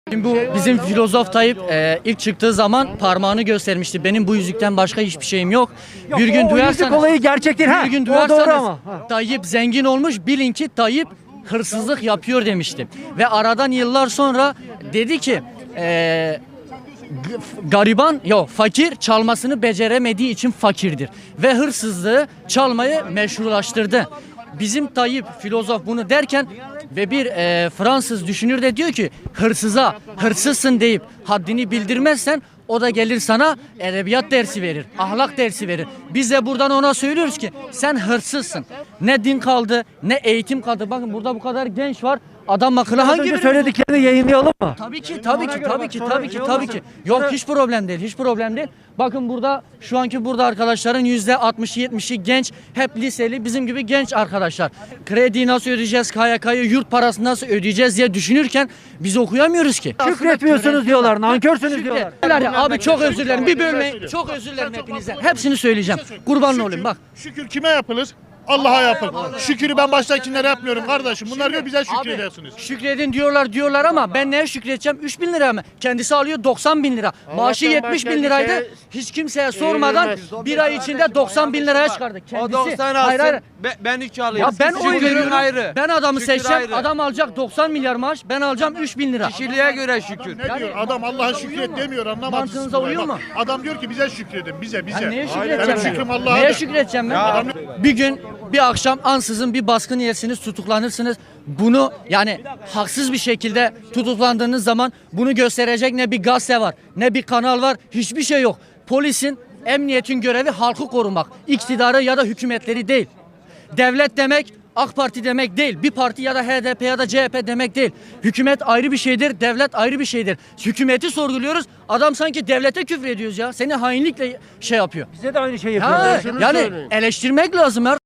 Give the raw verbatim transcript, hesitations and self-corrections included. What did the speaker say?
Şimdi bu bizim filozof Tayyip e, ilk çıktığı zaman parmağını göstermişti. Benim bu yüzükten başka hiçbir şeyim yok. Yok, bir gün o duyarsanız, yüzük olayı gerçek değil. Ha, bir gün o doğru duyarsanız ama. Ha. Tayyip zengin olmuş, bilin ki Tayyip hırsızlık yapıyor demişti. Ve aradan yıllar sonra dedi ki e, g- gariban yok fakir çalmasını beceremediği için fakirdir. Ve hırsızlığı çalmayı meşrulaştırdı. Bizim Tayyip filozof bunu derken ve bir e, Fransız düşünür de diyor ki hırsıza hırsızsın deyip haddini bildirmezsen o da gelir sana edebiyat dersi verir, ahlak dersi verir. Biz de buradan ona söylüyoruz ki sen hırsızsın. Ne din kaldı, ne eğitim kaldı. Bakın burada bu kadar genç var. Adam akıllı Az hangi önce birini- söylediklerini yayınlayalım mı? Tabii ki, tabii ki, tabii ki, Sonra tabii ki, şey tabii olmasın. ki. Yok Sonra- hiç problem değil, hiç problem değil. Bakın burada şu anki burada arkadaşların yüzde altmışı yetmişi genç, hep liseli bizim gibi genç arkadaşlar. Krediyi nasıl ödeyeceğiz, K Y K'yı, yurt parasını nasıl ödeyeceğiz diye düşünürken biz okuyamıyoruz ki. Şükretmiyorsunuz diyorlar, nankörsünüz diyorlar. Şükret. Abi çok özür dilerim, bir bölmeyin. Çok özür dilerim hepinizden. Hepsini söyleyeceğim. Kurban olayım bak. Şükür kime yapılır? Allah'a yapılır. Şükürü ben baştakilere yapmıyorum kardeşim. Bunlar diyor bize şükrediyorsunuz. Şükredin diyorlar diyorlar ama ben neye şükredeceğim? üç bin lira mı? Kendisi alıyor doksan bin lira. Maaşı yetmiş bin liraydı. Hiç kimseye sormadan bir ay içinde doksan bin liraya çıkardı. O Kendisi. doksan Hayır, hayır. alsın, be- ben üç Ya alayım. ben oy Şükürün veriyorum. ayrı. Ben adamı Şükür seçeceğim. ayrı. Adam alacak doksan milyar maaş. Ben alacağım üç bin lira. Kişiliğe göre şükür. Ne diyor? Adam Allah'a şükret demiyor, anlamadınız. Mantığınıza uyuyor mu? Adam diyor ki bize şükredin, bize, bize. Ya neye Benim şükredeceğim şükrüm ben? Allah'a. Neye şükredeceğim ben? Ya. Bir gün bir akşam ansızın bir baskın yersiniz, tutuklanırsınız. Bunu yani haksız bir şekilde tutuklandığınız zaman bunu gösterecek ne bir gazete var, ne bir kanal var, hiçbir şey yok. Polisin, emniyetin görevi halkı korumak, iktidarı ya da hükümetleri değil. Devlet demek AK Parti demek değil. Bir parti ya da H D P ya da C H P demek değil. Hükümet ayrı bir şeydir, devlet ayrı bir şeydir. Hükümeti sorguluyoruz. Adam sanki devlete küfür ediyoruz ya. Seni hainlikle şey yapıyor. Bize de aynı şeyi Ha, yapıyorlar. yani eleştirmek lazım ya.